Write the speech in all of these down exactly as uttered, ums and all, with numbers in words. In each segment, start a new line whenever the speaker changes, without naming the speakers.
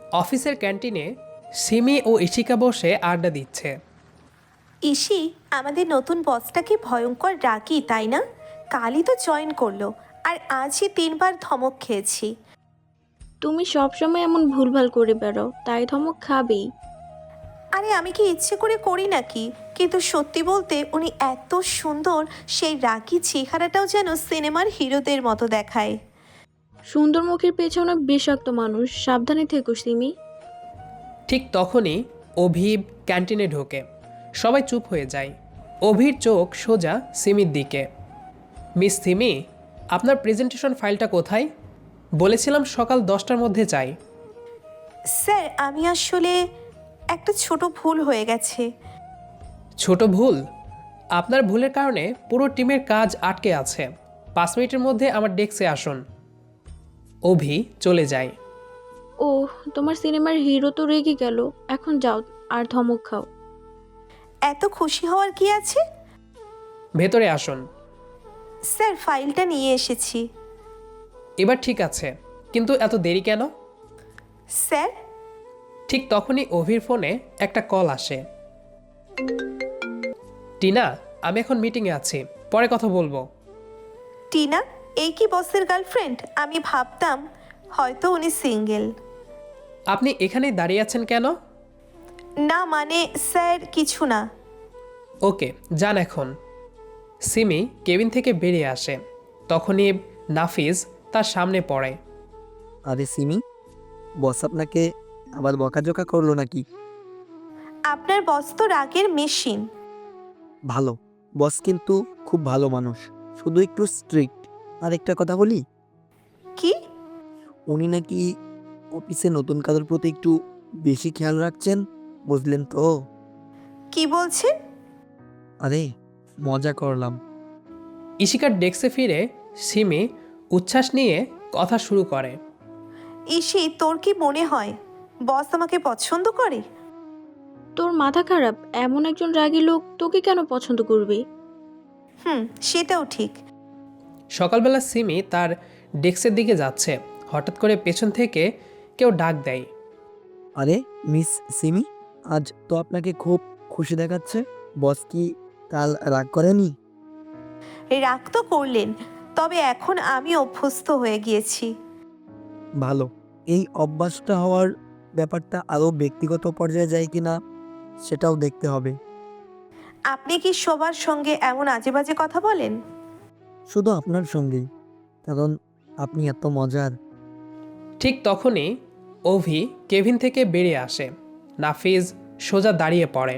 অফিসের ক্যান্টিনে সিমি ও ইশিকা বসে আড্ডা দিচ্ছে।
ইসি, আমাদের নতুন বসটা কি ভয়ঙ্কর রাগী, তাই না? কালই তো জয়েন করলো, আর আজই তিনবার ধমক খেয়েছি।
তুমি সবসময় এমন ভুলভাল করে বেড়াও, তাই ধমক খাবেই।
আরে আমি কি ইচ্ছে করে করি নাকি? কিন্তু সত্যি বলতে উনি এত সুন্দর, সেই রাগী চেহারাটাও যেন সিনেমার হিরোদের মতো দেখায়।
সুন্দর মুখের পেছনে বিষাক্ত মানুষ, সাবধানে থেকো সিমি।
ঠিক তখনই অভিব ক্যান্টিনে ঢোকে। সবাই চুপ হয়ে যায়। অভির চোখ সোজা সিমির দিকে। মিস সিমি, আপনার প্রেজেন্টেশন ফাইলটা কোথায়? বলেছিলাম সকাল দশটার মধ্যে চাই।
স্যার, আমি আসলে একটা ছোট ভুল হয়ে গেছে।
ছোট ভুল? আপনার ভুলের কারণে পুরো টিমের কাজ আটকে আছে। পাঁচ মিনিটের মধ্যে আমার ডেস্কে আসুন। অভি চলে যায়।
ও, তোমার সিনেমার হিরো তো রেগে গেল। এখন যাও আর ধমক খাও।
এত খুশি হওয়ার কি আছে?
ভেতরে আসুন।
স্যার, ফাইলটা নিয়ে এসেছি।
এবার ঠিক আছে, কিন্তু এত দেরি কেন?
স্যার।
ঠিক তখনই অভির ফোনে একটা কল আসে। টিনা, আমি এখন মিটিংয়ে আছি, পরে কথা বলবো।
টিনা? এই কি বসের গার্লফ্রেন্ড? আমি ভাবতাম হয়তো উনি সিঙ্গেল।
আপনি এখানেই দাঁড়িয়ে আছেন কেন?
না মানে স্যার, কিছু না।
ওকে, যান এখন। সিমি কেবিন থেকে বেরিয়ে আসে। তখনই নাফিজ তার সামনে পড়ে।
আরে সিমি, বস আপনাকে আবার বকাঝকা করলো নাকি?
আপনার বস তো রাগের মেশিন।
ভালো, বস কিন্তু খুব ভালো মানুষ, শুধু একটু স্ট্রিক্ট। আর একটা কথা বলি,
কি?
উনি নাকি অফিসে নতুন কাজের প্রতি একটু বেশি খেয়াল রাখছেন, বুঝলেন তো?
কি বলছেন?
আরে মজা করলাম।
ইশিকার ডেস্কে ফিরে সিমি উচ্ছ্বাস নিয়ে কথা শুরু করে।
ইসি, তোর কি মনে হয় বস আমাকে পছন্দ করে?
তোর মাথা খারাপ? এমন একজন রাগী লোক তোকে কেন পছন্দ করবে?
হুম, সেটাও ঠিক।
সকালবেলা সিমি তার ডেস্কের দিকে যাচ্ছে। হঠাৎ করে পেছন থেকে কেউ ডাক দেয়।
আরে মিস সিমি, আজ তো আপনাকে খুব খুশি দেখাচ্ছে। বস কি কাল রাগ করেনি?
রাগ তো করলেন, তবে এখন আমি অভ্যস্ত হয়ে গিয়েছি।
ভালো, এই অভ্যাসটা হওয়ার ব্যাপারটা আরও ব্যক্তিগত পর্যায়ে যায় কিনা সেটাও দেখতে হবে।
আপনি কি সবার সঙ্গে এমন আজে বাজে কথা বলেন?
শুধু আপনার সঙ্গেই, কারণ আপনি এত মজার।
ঠিক তখনই অভি কেবিন থেকে বেরিয়ে আসে। নাফিজ সোজা দাঁড়িয়ে পড়ে।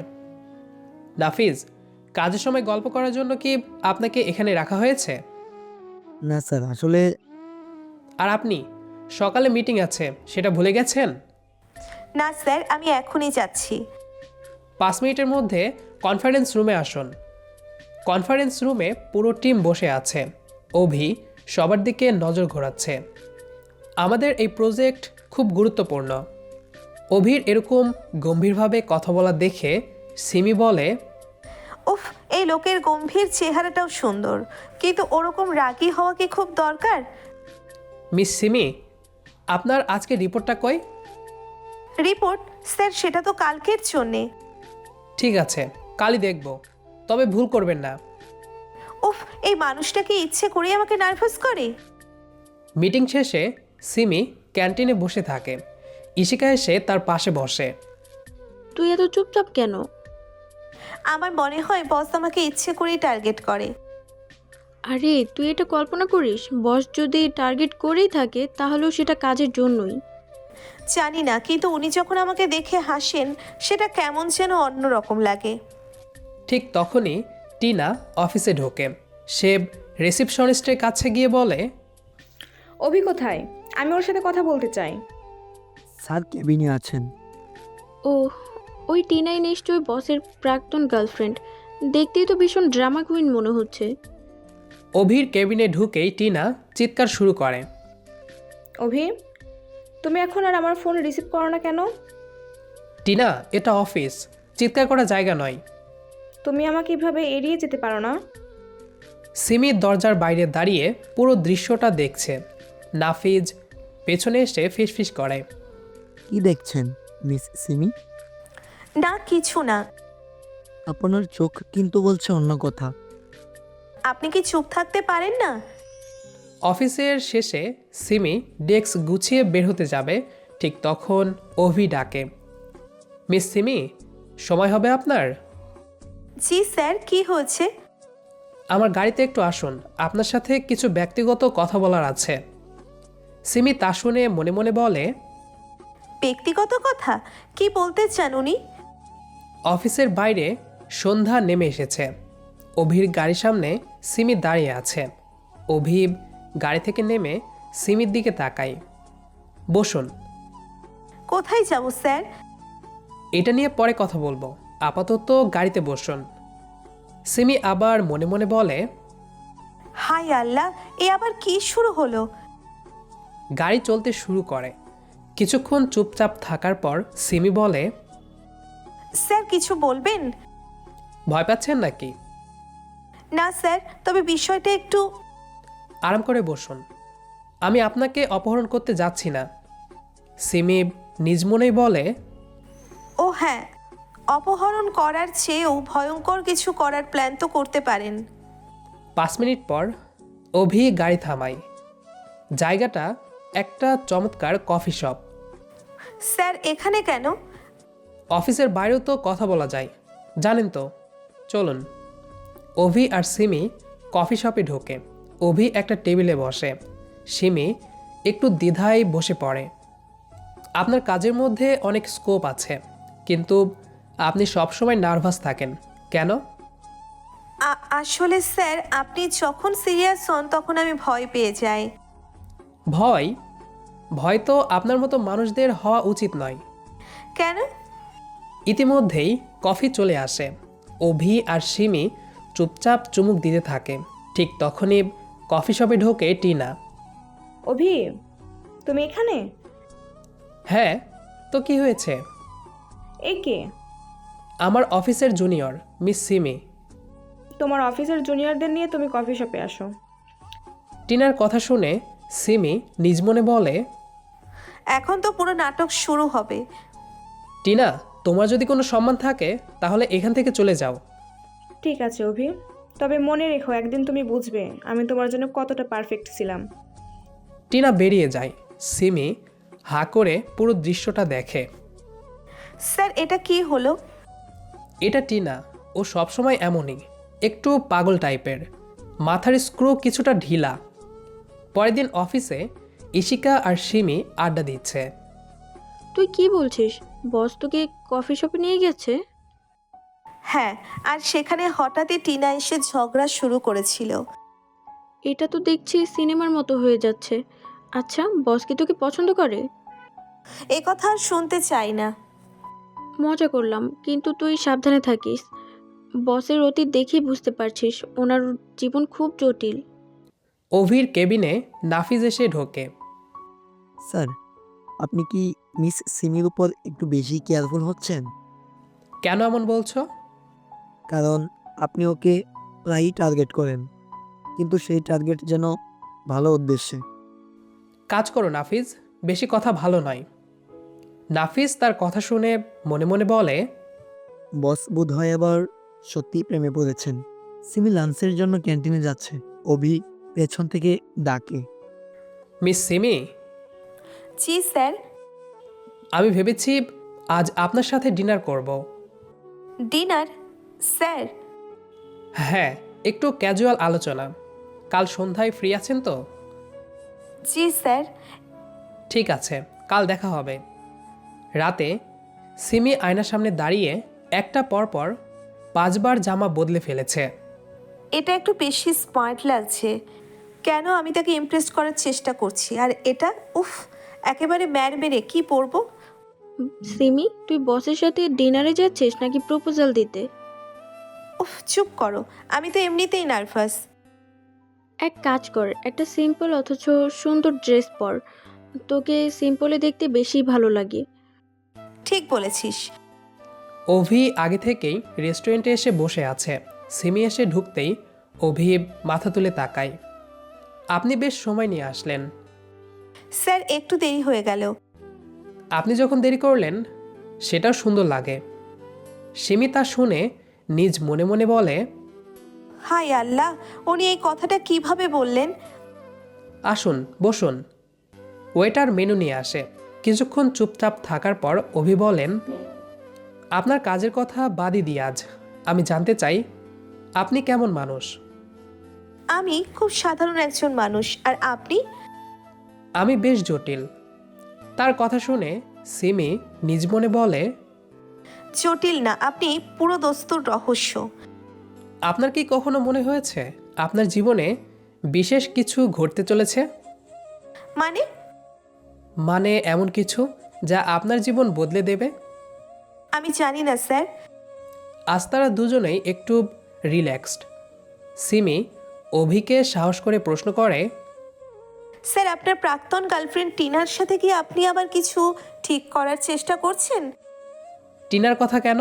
নাফিজ, কাজের সময় গল্প করার জন্য কি আপনাকে এখানে রাখা হয়েছে?
না স্যার, আসলে
আর আপনি সকালে মিটিং আছে, সেটা ভুলে গেছেন?
না স্যার, আমি এখনই যাচ্ছি।
পাঁচ মিনিটের মধ্যে কনফারেন্স রুমে আসুন। কনফারেন্স রুমে পুরো টিম বসে আছে। অভি সবার দিকে নজর ঘোরাচ্ছে। আমাদের এই প্রজেক্ট খুব গুরুত্বপূর্ণ। অভির এরকম গম্ভীরভাবে কথা বলা দেখে সিমি বলে,
উফ, এই লোকের গম্ভীর চেহারাটাও সুন্দর, কিন্তু ওরকম রাগী হওয়া কি খুব দরকার?
মিস সিমি, আপনার আজকে রিপোর্টটা কই?
রিপোর্ট? স্যার, সেটা তো কালকের জন্যে।
ঠিক আছে, কালই দেখব, তবে ভুল করবেন না।
উফ, এই মানুষটা কি ইচ্ছে করে আমাকে নার্ভাস করে?
মিটিং শেষে সিমি ক্যান্টিনে বসে থাকে। ইশিকা এসে তার পাশে বসে।
তুই এত চুপচাপ কেন?
আমার মনে হয় বস আমাকে ইচ্ছে করেই টার্গেট করে।
আরে তুই এটা কল্পনা করিস, বস যদি টার্গেট করেই থাকে তাহলেও সেটা কাজের জন্যই।
জানি না, কিন্তু উনি যখন আমাকে দেখে হাসেন, সেটা কেমন যেন অন্যরকম লাগে।
ঠিক তখনই টিনা অফিসে ঢোকে। সে রিসিপশনিস্টের কাছে গিয়ে বলে,
অভি কোথায়? আমি ওর সাথে কথা বলতে চাই।
স্যার কেবিনে আছেন।
ও, ওই টিনাই নিশ্চয়ই বসের প্রাক্তন গার্লফ্রেন্ড। দেখতেই তো ভীষণ ড্রামা কুইন মনে হচ্ছে।
অভির কেবিনে ঢুকেই টিনা চিৎকার শুরু করে।
অভি, তুমি এখন আর আমার ফোন রিসিভ করো না কেন?
টিনা, এটা অফিস, চিৎকার করার জায়গা নয়।
তুমি আমাকে এভাবে এড়িয়ে যেতে পারো না।
সিমি দরজার বাইরে দাঁড়িয়ে পুরো দৃশ্যটা দেখছে। নাফিজ পেছনে এসে ফিসফিস করে।
কি দেখছেন মিস সিমি?
না কিছু না।
আপনার চোখ কিন্তু বলছে অন্য কথা।
আপনি কি চুপ থাকতে পারেন না?
অফিসের শেষে সিমি ডেস্ক গুছিয়ে বের হতে যাবে, ঠিক তখন অভি ডাকে, মিস সিমি, সময় হবে আপনার?
জি স্যার, কি হয়েছে?
আমার গাড়িতে একটু আসুন, আপনার সাথে কিছু ব্যক্তিগত কথা বলার আছে। সিমি তা শুনে মনে মনে বলে,
ব্যক্তিগত কথা? কি বলতে চান উনি?
অফিসের বাইরে সন্ধ্যা নেমে এসেছে। অভির গাড়ির সামনে সিমি দাঁড়িয়ে আছে। অভি গাড়ি থেকে নেমে সিমির দিকে তাকায়। বসুন।
কোথায় যাব স্যার?
এটা নিয়ে পরে কথা বলবো, আপাতত গাড়িতে বসুন। সিমি আবার মনে মনে বলে,
হাই আল্লাহ, এ আবার কি শুরু হলো?
গাড়ি চলতে শুরু করে। কিছুক্ষণ চুপচাপ থাকার পর সিমি বলে,
স্যার কিছু বলবেন?
ভয় পাচ্ছেন নাকি?
না স্যার, তবে বিষয়টা একটু।
আরাম করে বসুন, আমি আপনাকে অপহরণ করতে যাচ্ছি না। সিমি নিজ মনেই বলে,
ও হ্যাঁ, অপহরণ করার চেয়েও ভয়ঙ্কর কিছু করার প্ল্যান তো করতে পারেন।
পাঁচ মিনিট পর অভি গাড়ি থামায়। জায়গাটা একটা চমৎকার কফি শপ।
স্যার এখানে কেন?
অফিসের বাইরেও তো কথা বলা যায়, জানেন তো। চলুন। অভি আর সিমি কফি শপে ঢোকে। অভি একটা টেবিলে বসে, সিমি একটু দ্বিধায় বসে পড়ে। আপনার কাজের মধ্যে অনেক স্কোপ আছে, কিন্তু আপনি সবসময় নার্ভাস থাকেন কেন?
আ- আসলে স্যার, আপনি যখন সিরিয়াস হন তখন আমি ভয় পেয়ে যাই।
ভয়? ভয় তো আপনার মতো মানুষদের হওয়া উচিত নয়।
কেন?
ইতিমধ্যেই কফি চলে আসে। অভি আর সিমি চুপচাপ চুমুক দিতে থাকে। ঠিক তখনই কফি শপে ঢোকে টিনা।
অভি, তুমি এখানে?
হ্যাঁ, তো কি হয়েছে?
এ কে?
আমার অফিসের জুনিয়র মিস সিমি।
তোমার অফিসের জুনিয়রদের নিয়ে তুমি কফি শপে আসো?
টিনার কথা শুনে সিমি নিজ মনে বলে,
এখন তো পুরো নাটক শুরু হবে।
টিনা, তোমার যদি কোনো সম্মান থাকে তাহলে এখান থেকে চলে যাও।
ঠিক আছে অভি, তবে মনে রেখো একদিন তুমি বুঝবে আমি তোমার জন্য কতটা পারফেক্ট ছিলাম।
টিনা বেরিয়ে যায়। সিমি হাঁ করে পুরো দৃশ্যটা দেখে।
স্যার এটা কি হলো?
এটা টিনা, ও সবসময় এমনই, একটু পাগল টাইপের, মাথার স্ক্রু কিছুটা ঢিলা। পরের দিন অফিসে ইশিকা আর সিমি আড্ডা দিচ্ছে।
তুই কি বলছিস? বস তোকে কফি শপে নিয়ে গেছে?
হ্যাঁ, আর সেখানে হঠাৎই টিনা এসে ঝগড়া শুরু করেছিল।
এটা তো দেখছি সিনেমার মতো হয়ে যাচ্ছে। আচ্ছা, বস কি তোকে পছন্দ করে?
এ কথা আর শুনতে চাই না।
মজা করলাম, কিন্তু তুই সাবধানে থাকিস। বসের অতীত দেখেই বুঝতে পারছিস ওনার জীবন খুব জটিল।
অভির কেবিনে নাফিজ এসে ঢোকে।
স্যার, আপনি কি মিস সিমির উপর একটু বেশি কেয়ারফুল হচ্ছেন?
কেন এমন বলছো?
কারণ আপনি ওকে প্রায়ই টার্গেট করেন, কিন্তু সেই টার্গেট যেন ভালো উদ্দেশ্যে।
কাজ করো নাফিজ, বেশি কথা ভালো নয়। নাফিজ তার কথা শুনে মনে মনে বলে,
বস বোধ হয় এবার সত্যিই প্রেমে পড়েছেন। সিমি লাঞ্চের জন্য ক্যান্টিনে যাচ্ছে। অভি পেছন থেকে ডাকে,
মিস সিমি,
জি স্যার।
আমি ভেবেছি আজ আপনার সাথে ডিনার করব।
ডিনার? স্যার
হ্যাঁ, একটু ক্যাজুয়াল আলোচনা। কাল সন্ধ্যায় ফ্রি আছেন তো?
জি স্যার।
ঠিক আছে, কাল দেখা হবে। রাতে সিমি আয়নার সামনে দাঁড়িয়ে একটা পর পর পাঁচবার জামা বদলে ফেলেছে।
এটা একটু বেশি স্মার্ট লাগছে। কেন আমি তাকে ইমপ্রেস করার চেষ্টা করছি, আর এটা উফ, একেবারে ম্যার মেরে কি পরবো?
সিমি, তুই বসের সাথে ডিনারে যাচ্ছিস নাকি প্রপোজাল দিতে?
উফ চুপ করো, আমি তো এমনিতেই নার্ভাস।
এক কাজ কর, একটা সিম্পল অথচ সুন্দর ড্রেস পর। তোকে সিম্পলে দেখতে বেশি ভালো লাগে।
ঠিক বলেছিস।
অভি আগে থেকেই রেস্টুরেন্টে এসে বসে আছে। সিমি এসে ঢুকতেই অভি মাথা তুলে তাকায়। আপনি বেশ সময় নিয়ে আসলেন।
স্যার একটু দেরি হয়ে গেল।
আপনি যখন দেরি করলেন সেটাও সুন্দর লাগে। সিমি তা শুনে নিজ মনে মনে বলে,
হাই আল্লাহ, উনি এই কথাটা কিভাবে বললেন?
আসুন বসুন। ওয়েটার মেনু নিয়ে আসে। কিছুক্ষণ চুপচাপ থাকার পর অভি বলেন, আপনার কাজের কথা বাদই দিই, আজ আমি জানতে চাই আপনি কেমন মানুষ।
আমি খুব সাধারণ একজন মানুষ, আর আপনি?
আমি বেশ জটিল। তার কথা শুনে সিমি নিজ মনে বলে,
জটিল না, আপনি পুরো দস্তুর রহস্য।
আপনার কি কখনো মনে হয়েছে আপনার জীবনে বিশেষ কিছু ঘটতে চলেছে?
মানে?
মানে এমন কিছু যা আপনার জীবন বদলে দেবে?
আমি জানি না স্যার।
আজ তারা দুজনেই একটু রিল্যাক্সড। সিমি অভিকে সাহস করে প্রশ্ন করে,
স্যার, আপনার প্রাক্তন গার্লফ্রেন্ড টিনার সাথে কি আপনি আবার কিছু ঠিক করার চেষ্টা করছেন?
টিনার কথা কেন?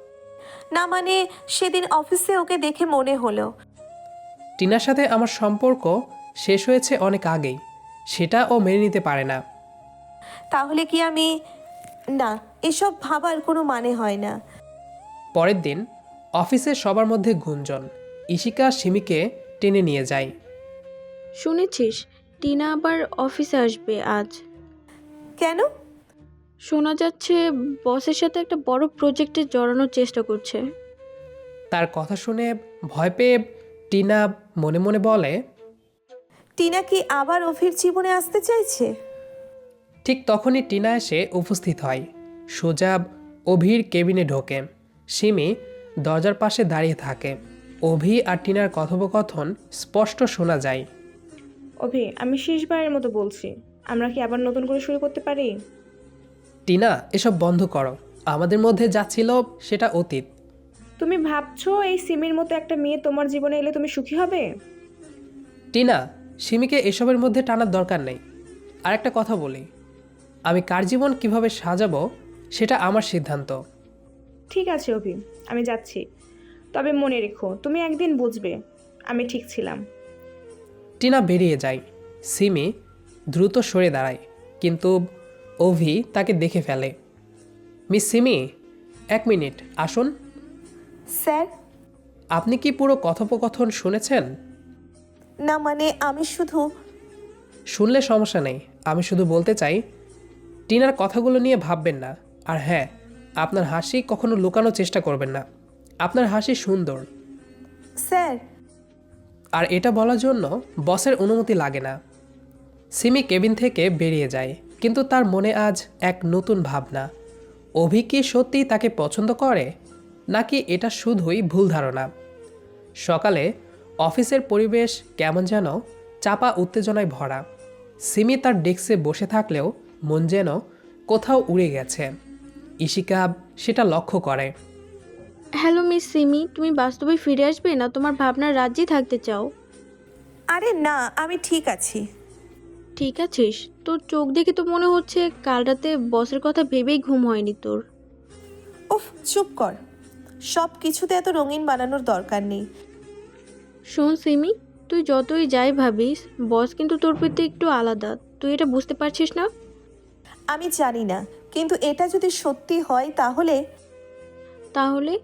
না মানে, সেদিন অফিসে ওকে দেখে মনে হলো।
টিনার সাথে আমার সম্পর্ক শেষ হয়েছে অনেক আগেই, সেটা ও মেনে নিতে পারে না।
তাহলে কি আমি... না, এসব ভাবার কোনো মানে হয় না।
পরের দিন অফিসে সবার মধ্যে গুঞ্জন। ইশিকা সিমিকে টেনে নিয়ে যায়।
শুনেছিস টিনা আবার অফিসে আসবে আজ?
কেন?
শোনা যাচ্ছে বসের সাথে একটা বড় প্রজেক্টে জড়ানোর চেষ্টা করছে।
তার কথা শুনে ভয় পেয়ে টিনা মনে মনে বলে,
টিনা কি আবার অভির জীবনে আসতে চাইছে?
ঠিক তখনই টিনা এসে উপস্থিত হয়। সোজা অভির কেবিনে ঢোকে। সিমি দরজার পাশে দাঁড়িয়ে থাকে। অভি আর টিনার কথোপকথন স্পষ্ট শোনা যায়।
অভি, আমি শেষবারের মতো বলছি, আমরা কি আবার নতুন করে শুরু করতে পারি?
টিনা, এসব বন্ধ করো। আমাদের মধ্যে যা ছিল সেটা অতীত।
তুমি ভাবছো এই সিমির মতো একটা মেয়ে তোমার জীবনে এলে তুমি সুখী হবে?
টিনা, সিমিকে এসবের মধ্যে টানার দরকার নেই। আর একটা কথা বলি, আমি কার জীবন কিভাবে সাজাবো সেটা আমার সিদ্ধান্ত।
ঠিক আছে অভি, আমি যাচ্ছি। তবে মনে রেখো, তুমি একদিন বুঝবে আমি ঠিক ছিলাম।
টিনা বেরিয়ে যায়। সিমি দ্রুত সরে দাঁড়ায়, কিন্তু অভি তাকে দেখে ফেলে। মিস সিমি, এক মিনিট আসুন।
স্যার?
আপনি কি পুরো কথোপকথন শুনেছেন?
না মানে, আমি শুধু...
শুনলে সমস্যা নেই, আমি শুধু বলতে চাই টিনার কথাগুলো নিয়ে ভাববেন না। আর হ্যাঁ, আপনার হাসি কখনো লুকানোর চেষ্টা করবেন না। আপনার হাসি সুন্দর।
স্যার?
আর এটা বলার জন্য বসের অনুমতি লাগে না। সিমি কেবিন থেকে বেরিয়ে যায়, কিন্তু তার মনে আজ এক নতুন ভাবনা। অভি কি সত্যিই তাকে পছন্দ করে, নাকি এটা শুধুই ভুল ধারণা? সকালে অফিসের পরিবেশ কেমন যেন চাপা উত্তেজনায় ভরা। সিমি তার ডেস্কে বসে থাকলেও মন যেন কোথাও উড়ে গেছে। ইশিকা সেটা লক্ষ্য করে।
হ্যালো মিস সিমি, তুমি বাস্তবে ফিরে আসবে না তোমার ভাবনার রাজ্যে থাকতে চাও?
আরে না, আমি ঠিক আছি।
ঠিক আছিস? তোর চোখ দেখে তো মনে হচ্ছে কাল রাতে বসের কথা ভেবেই ঘুম হয়নি তোর।
উফ, চুপ কর। সব কিছুতে এত রঙিন বানানোর দরকার নেই।
শোন সিমি, তুই যতই যাই ভাবিস, বস কিন্তু তোর প্রতি একটু আলাদা। তুই এটা বুঝতে পারছিস না?
আমি জানি না, কিন্তু এটা যদি সত্যি হয় তাহলে...
তাহলে?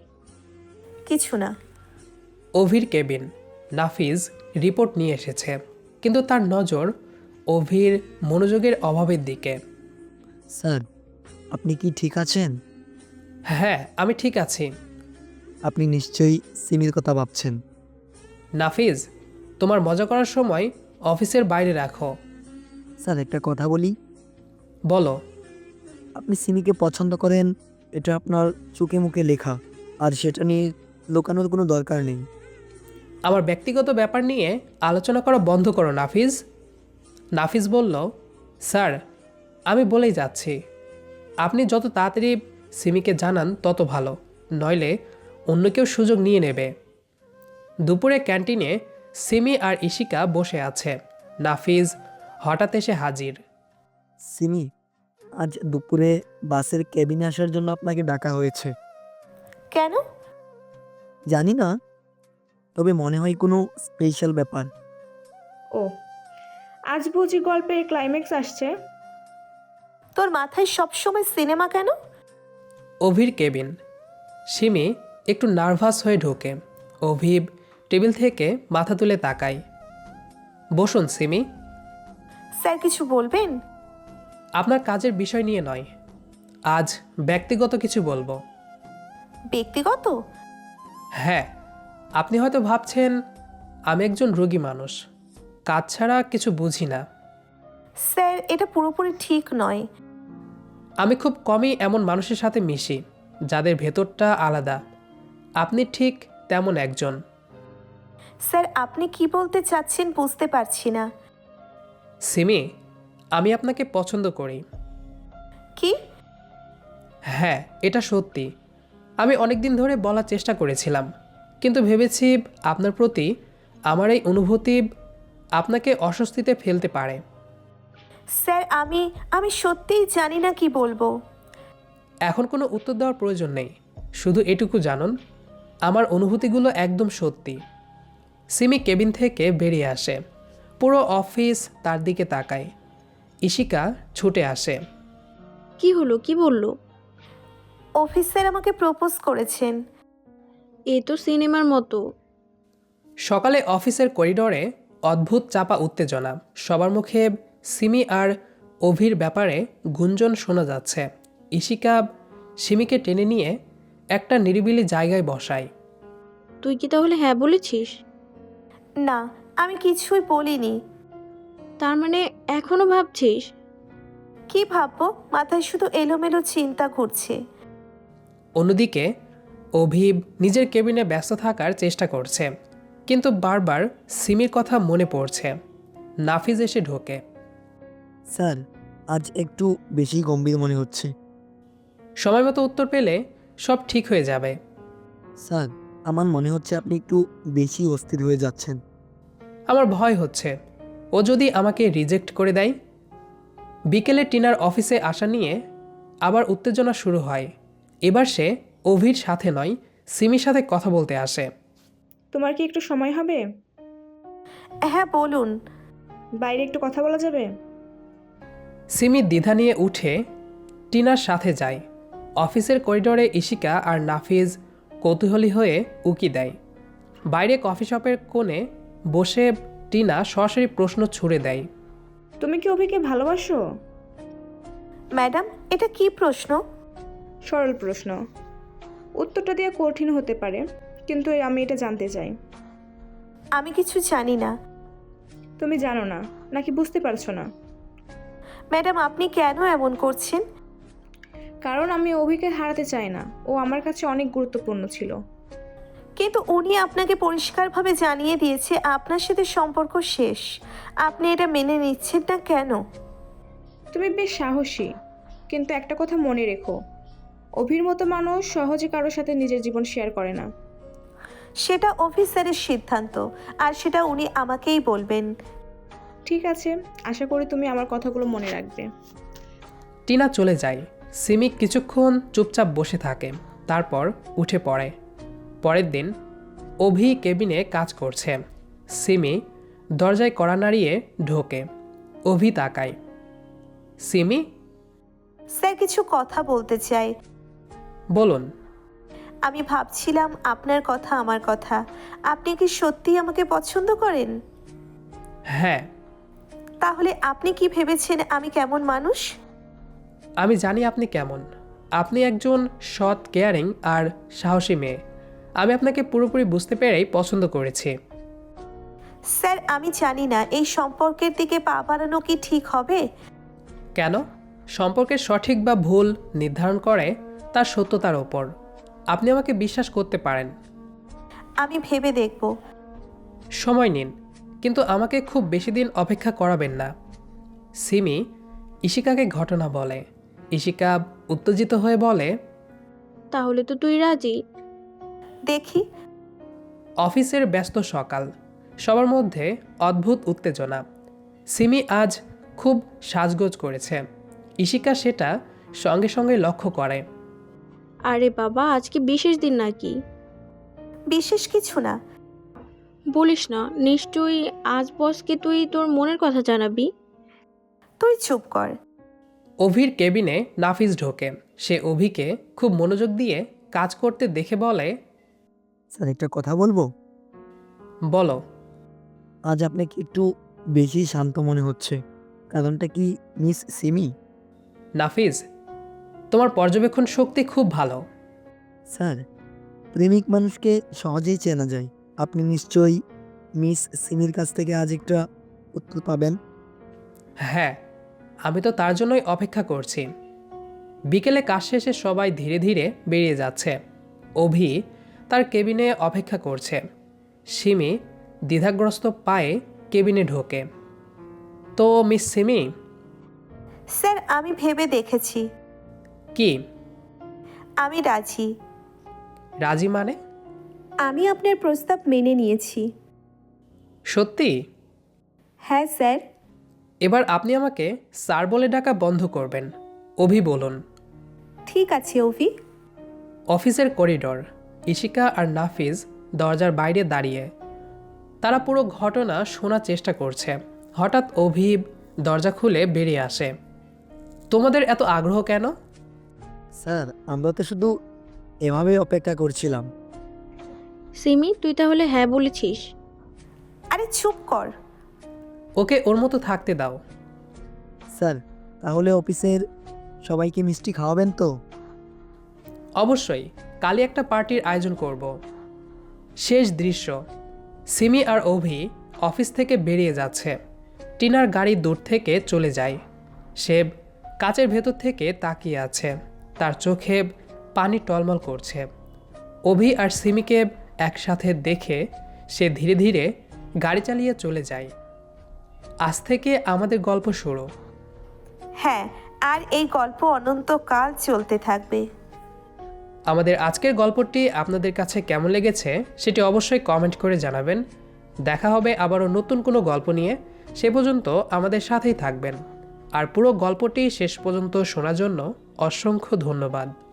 কিছু না।
অভির কেবিন। নাফিজ রিপোর্ট নিয়ে এসেছে, কিন্তু তার নজর অভির মনোযোগের অভাবের দিকে।
স্যার, আপনি কি ঠিক আছেন?
হ্যাঁ, আমি ঠিক আছি।
আপনি নিশ্চয়ই সিমির কথা ভাবছেন।
নাফিজ, তোমার মজা করার সময় অফিসের বাইরে রাখো।
স্যার, একটা কথা বলি।
বলো।
আপনি সিমিকে পছন্দ করেন, এটা আপনার চোখে মুখে লেখা, আর সেটা নিয়ে লুকানোর কোনো দরকার নেই।
আমার ব্যক্তিগত ব্যাপার নিয়ে আলোচনা করা বন্ধ করো নাফিজ। নাফিজ বলল, স্যার, আমি বলেই যাচ্ছি, আপনি যত তাড়াতাড়ি সিমিকে জানান তত ভালো, নইলে অন্য কেউ সুযোগ নিয়ে নেবে। দুপুরে ক্যান্টিনে সিমি আর ইশিকা বসে আছে। নাফিজ হঠাৎ এসে হাজির।
সিমি, আজ দুপুরে বাসের কেবিনে আসার জন্য আপনাকে ডাকা হয়েছে।
কেন?
জানি না, তবে মনে হয় কোনো স্পেশাল ব্যাপার।
ও, আজ বুঝি গল্পের ক্লাইম্যাক্স আসছে?
তোর মাথায় সবসময় সিনেমা কেন?
অভির কেবিন। সিমি একটু নার্ভাস হয়ে ঢোকে। অভিব টেবিল থেকে মাথা তুলে তাকায়। বসুন সিমি।
স্যার কিছু বলবেন?
আপনার কাজের বিষয় নিয়ে নয়, আজ ব্যক্তিগত কিছু বলবো।
ব্যক্তিগত?
হ্যাঁ, আপনি হয়তো ভাবছেন আমি একজন রোগী মানুষ, কাজ ছাড়া কিছু বুঝি না।
স্যার এটা পুরোপুরি ঠিক নয়।
আমি খুব কমই এমন মানুষের সাথে মিশি যাদের ভেতরটা আলাদা। আপনি ঠিক তেমন একজন।
স্যার আপনি কি বলতে চাচ্ছেন বুঝতে পারছি না।
সিমি, আমি আপনাকে পছন্দ করি।
কি?
হ্যাঁ, এটা সত্যি। আমি অনেক দিন ধরে বলার চেষ্টা করেছিলাম, কিন্তু ভেবেছি আপনার প্রতি আমার এই অনুভূতি আপনাকে অস্বস্তিতে ফেলতে পারে।
স্যার আমি আমি সত্যিই জানি না কি বলবো।
এখন কোনো উত্তর দেওয়ার প্রয়োজন নেই, শুধু এটুকু জানুন আমার অনুভূতিগুলো একদম সত্যি। সিমি কেবিন থেকে বেরিয়ে আসে। পুরো অফিস তার দিকে তাকায়। ইশিকা ছুটে আসে।
কি হলো, কি বললো?
অফিসার আমাকে প্রপোজ করেছেন।
এ তো সিনেমার মতো।
সকালে অফিসের করিডোরে অদ্ভুত চাপা উত্তেজনা। সবার মুখে সিমি আর অভির ব্যাপারে গুঞ্জন শোনা যাচ্ছে। ইশিকা সিমিকে টেনে নিয়ে একটা নিরিবিলি জায়গায় বসায়।
তুই কি তাহলে হ্যাঁ বলেছিস?
না, আমি কিছুই বলিনি।
তার মানে এখনো ভাবছিস?
কি ভাববো, মাথায় শুধু এলোমেলো চিন্তা ঘুরছে।
অন্যদিকে অভিব নিজের কেবিনে ব্যস্ত থাকার চেষ্টা করছে, কিন্তু বারবার সিমির কথা মনে পড়ছে। নাফিজ এসে ঢোকে।
স্যার, আজ একটু বেশি গম্ভীর মনে হচ্ছে।
সময় মতো উত্তর পেলে সব ঠিক হয়ে যাবে।
স্যার, আমার মনে হচ্ছে আপনি একটু বেশি অস্থির হয়ে যাচ্ছেন।
আমার ভয় হচ্ছে ও যদি আমাকে রিজেক্ট করে দেয়। বিকেলে টিনার অফিসে আসা নিয়ে আবার উত্তেজনা শুরু হয়। এবার সে অভির সাথে নয়, সিমির সাথে কথা বলতে আসে।
তোমার কি একটু সময় হবে?
হ্যাঁ বলুন।
বাইরে একটু কথা বলা যাবে?
সিমি দ্বিধা নিয়ে উঠে টিনার সাথে যায়। অফিসের করিডোরে ইশিকা আর নাফিজ কৌতূহলী হয়ে উকি দেয়। বাইরে কফি শপের কোণে বসে টিনা সরাসরি প্রশ্ন ছুড়ে দেয়।
তুমি কি অভিকে ভালোবাসো?
ম্যাডাম এটা কি প্রশ্ন?
সরল প্রশ্ন, উত্তরটা দেওয়া কঠিন হতে পারে, কিন্তু আমি এটা জানতে চাই।
আমি কিছু জানি না।
তুমি জানো না নাকি বুঝতে পারছো না?
ম্যাডাম আপনি কেন এমন করছেন?
কারণ আমি অভিকে হারাতে চাই না, ও আমার কাছে অনেক গুরুত্বপূর্ণ ছিল।
কিন্তু উনি আপনাকে পরিষ্কারভাবে জানিয়ে দিয়েছে আপনার সাথে সম্পর্ক শেষ। আপনি এটা মেনে নিচ্ছেন না কেন?
তুমি বেশ সাহসী, কিন্তু একটা কথা মনে রেখো, অভির মতো মানুষ সহজে কারোর সাথে নিজের জীবন শেয়ার করে না।
সেটা অফিসারের সিদ্ধান্ত, আর সেটা উনি আমাকেই বলবেন।
ঠিক আছে, আশা করি তুমি আমার কথাগুলো মনে রাখবে।
টিনা চলে যায়। সিমি কিছুক্ষণ চুপচাপ বসে থাকে, তারপর উঠে পড়ে। পরের দিন অভি কেবিনে কাজ করছে। সিমি দরজায় কড়া নাড়িয়ে ঢোকে। অভি তাকায়। সিমি,
স্যার কিছু কথা বলতে চাই।
বলুন।
আমি ভাবছিলাম আপনার কথা আমার কথা। আপনি কি সত্যিই আমাকে পছন্দ করেন?
হ্যাঁ।
তাহলে আপনি কি ভেবেছেন আমি কেমন মানুষ?
আমি জানি আপনি কেমন। আপনি একজন সৎ, কেয়ারিং আর সাহসী মেয়ে। আমি আপনাকে পুরোপুরি বুঝতে পেরেই পছন্দ করেছি।
স্যার আমি জানি না এই সম্পর্কের দিকে পা বাড়ানো কি ঠিক হবে।
কেন? সম্পর্কের সঠিক বা ভুল নির্ধারণ করে তার সত্যতার ওপর। আপনি আমাকে বিশ্বাস করতে পারেন।
আমি ভেবে দেখব।
সময় নিন, কিন্তু আমাকে খুব বেশি দিন অপেক্ষা করাবেন না। সিমি ইশিকাকে ঘটনা বলে। ইশিকা উত্তেজিত হয়ে বলে,
তাহলে তো তুই রাজি?
দেখি।
অফিসের ব্যস্ত সকাল, সবার মধ্যে অদ্ভুত উত্তেজনা। সিমি আজ খুব সাজগোজ করেছে। ইশিকা সেটা সঙ্গে সঙ্গে লক্ষ্য করে।
আরে বাবা, আজকে বিশেষ দিন নাকি?
বিশেষ কিছু না।
বলিস না, নিশ্চয়ই আজ বসকে তুই তোর মনের কথা জানাবি।
তুই চুপ কর।
অভির কেবিনে নাফিস ঢোকে। সে অভিকে খুব মনোযোগ দিয়ে কাজ করতে দেখে বলে,
স্যার একটা কথা বলবো?
বলো।
আজ আপনাকে একটু বেশি শান্ত মনে হচ্ছে, কারণটা কি মিস সিমি?
নাফিস, তোমার পর্যবেক্ষণ শক্তি খুব ভালো।
স্যার, প্রেমিক মানুষকে সহজেই চেনা যায়। আপনি নিশ্চয়ই মিস সিমির কাছ থেকে আজ একটা উত্তর পাবেন।
হ্যাঁ, আমি তো তার জন্যই অপেক্ষা করছি। বিকেলে কাজ শেষে সবাই ধীরে ধীরে বেরিয়ে যাচ্ছে। অভি তার কেবিনে অপেক্ষা করছে। সিমি দ্বিধাগ্রস্ত পায়ে কেবিনে ঢোকে। তো মিস সিমি।
স্যার আমি ভেবে দেখেছি,
কি?
আমি রাজি।
রাজি মানে?
আমি আপনার প্রস্তাব মেনে নিয়েছি।
সত্যি?
হ্যাঁ স্যার।
এবার আপনি আমাকে স্যার বলে ডাকা বন্ধ করবেন। অভি বলুন।
ঠিক আছে অভি।
অফিসের করিডোর। ইশিকা আর নাফিজ দরজার বাইরে দাঁড়িয়ে। তারা পুরো ঘটনা শোনার চেষ্টা করছে। হঠাৎ অভি দরজা খুলে বেরিয়ে আসে। তোমাদের এত আগ্রহ কেন?
স্যার, আমরা তো শুধু এভাবেই অপেক্ষা করছিলাম।
সিমি, তুই তাহলে হ্যাঁ বলেছিস?
আরে চুপ কর।
ওকে ওর মতো থাকতে দাও।
স্যার, তাহলে অফিসের সবাইকে মিষ্টি খাওয়াবেন তো?
অবশ্যই, কালই একটা পার্টির আয়োজন করব। শেষ দৃশ্য। সিমি আর অভি অফিস থেকে বেরিয়ে যাচ্ছে। টিনার গাড়ি দূর থেকে চলে যায়। সে কাচের ভেতর থেকে তাকিয়ে আছে। তার চোখে পানি টলমল করছে। অভি আর সিমিকে একসাথে দেখে সে ধীরে ধীরে গাড়ি চালিয়ে চলে যায়। আজ থেকে আমাদের গল্প শুরু।
হ্যাঁ, আর এই গল্প অনন্তকাল চলতে থাকবে।
আমাদের আজকের গল্পটি আপনাদের কাছে কেমন লেগেছে সেটি অবশ্যই কমেন্ট করে জানাবেন। দেখা হবে আবারও নতুন কোনো গল্প নিয়ে। সে পর্যন্ত আমাদের সাথেই থাকবেন। আর পুরো গল্পটি শেষ পর্যন্ত শোনার জন্য অসংখ্য ধন্যবাদ।